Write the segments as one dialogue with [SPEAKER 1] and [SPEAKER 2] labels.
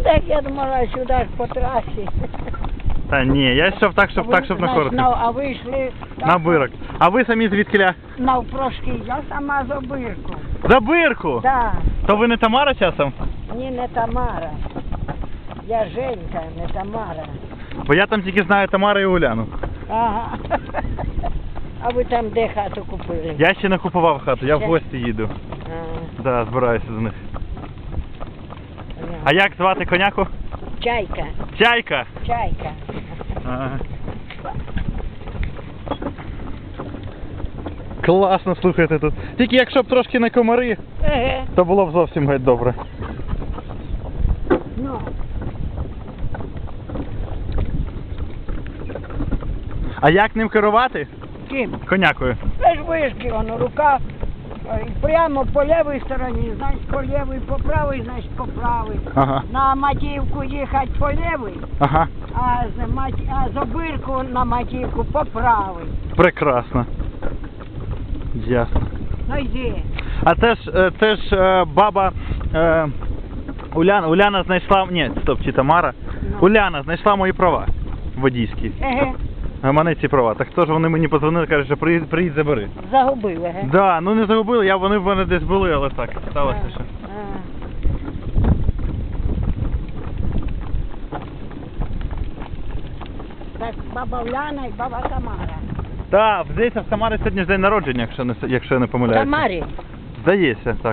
[SPEAKER 1] так я думала, сюди ж по трасі.
[SPEAKER 2] Та ні, я йшов так, щоб на коротко.
[SPEAKER 1] А ви йшли
[SPEAKER 2] На Бирок. А ви самі звідкиля?
[SPEAKER 1] навпрошки, я сама з Обирку.
[SPEAKER 2] За Бирку?
[SPEAKER 1] Так,
[SPEAKER 2] То ви не Тамара часом?
[SPEAKER 1] ні, не Тамара. Я Женька, не Тамара.
[SPEAKER 2] Бо я там тільки знаю Тамару і Уляну.
[SPEAKER 1] Ага. А ви там де хату купили?
[SPEAKER 2] Я ще не купував хату, я в
[SPEAKER 1] Ще?
[SPEAKER 2] гості їду.
[SPEAKER 1] А,
[SPEAKER 2] Да, збираюся до них.
[SPEAKER 1] понятно.
[SPEAKER 2] А як звати коняку?
[SPEAKER 1] Чайка,
[SPEAKER 2] Чайка.
[SPEAKER 1] чайка.
[SPEAKER 2] Ага. Класно, слухайте тут. Тільки якщо б трошки не комари,
[SPEAKER 1] Еге.
[SPEAKER 2] то було б зовсім геть добре.
[SPEAKER 1] Ну,
[SPEAKER 2] А як ним керувати?
[SPEAKER 1] ким?
[SPEAKER 2] Конякою.
[SPEAKER 1] Це ж вишки, воно, рука прямо по лівій стороні, значить по лівій, по правій, значить по правій.
[SPEAKER 2] Ага.
[SPEAKER 1] На Матіївку їхати по лівій,
[SPEAKER 2] Ага.
[SPEAKER 1] а з Обирку на Матіївку по правій.
[SPEAKER 2] Прекрасно. Ясно.
[SPEAKER 1] Ну йди.
[SPEAKER 2] А це ж баба Уляна знайшла... Ні, стоп, чи Тамара.
[SPEAKER 1] Ну.
[SPEAKER 2] Уляна знайшла мої права водійські.
[SPEAKER 1] Еге,
[SPEAKER 2] А мене ці права. Так хто ж вони мені подзвонили, кажуть, що приїдь забери.
[SPEAKER 1] загубив, еге.
[SPEAKER 2] Да, ну не загубили, вони в мене десь були, але так, сталося що.
[SPEAKER 1] Так, баба Уляна і баба Тамара.
[SPEAKER 2] Так, здається, в Тамари сьогодні ж день народження, якщо я не помиляюся.
[SPEAKER 1] Тамарі?
[SPEAKER 2] Здається, так.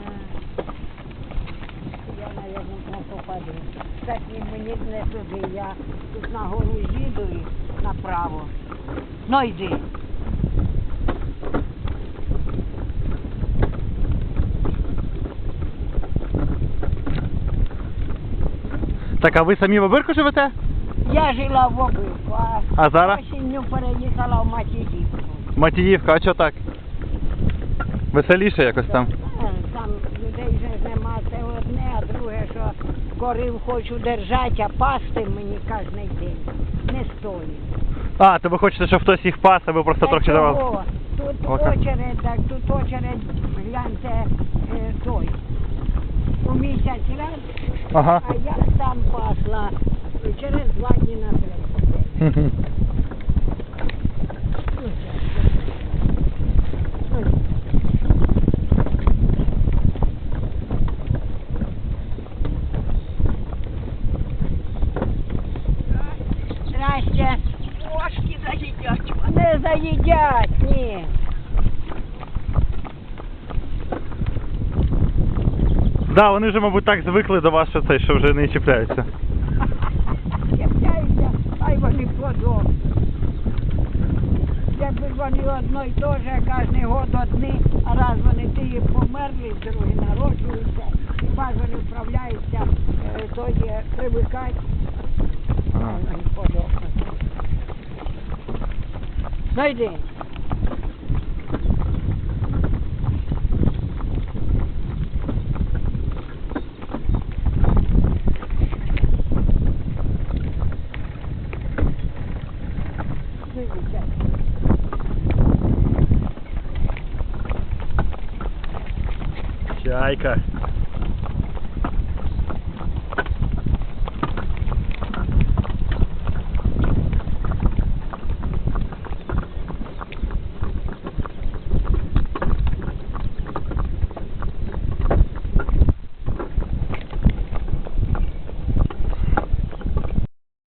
[SPEAKER 1] Я, мабуть, не попаду. Так мені не туди, я тут на гору їду і направо. Ну йди.
[SPEAKER 2] Так, а ви самі в Обирку живете?
[SPEAKER 1] Я жила в Обирку,
[SPEAKER 2] А зараз?
[SPEAKER 1] осінню переїхала в Матіївку.
[SPEAKER 2] Матіївка, а чого так? Веселіше якось там.
[SPEAKER 1] Там людей вже нема, це одне, а друге, що корів хочу держати, а пасти мені кожен день не стоїть.
[SPEAKER 2] А, то ви хочете, щоб хтось їх пас, а ви просто
[SPEAKER 1] Та
[SPEAKER 2] трохи давали?
[SPEAKER 1] чого? Тут
[SPEAKER 2] Ока.
[SPEAKER 1] очередь, так, тут очередь, гляньте, той, у місяць раз,
[SPEAKER 2] Ага.
[SPEAKER 1] а я сам пасла через 2 дні на третій день. Здрасте.
[SPEAKER 3] Кошки заїдять.
[SPEAKER 1] Не заїдять, ні.
[SPEAKER 2] Да, вони вже, мабуть, так звикли до вас, що вже не чіпляються.
[SPEAKER 1] Чіпляються, хай вони подобні. Якби вони одно й те же, кожен год одні, а раз вони ті померли, другі народжуються, хіба ж вони вправляються, тоді привикать, а вони подобні. Ну йди.
[SPEAKER 2] Чайка.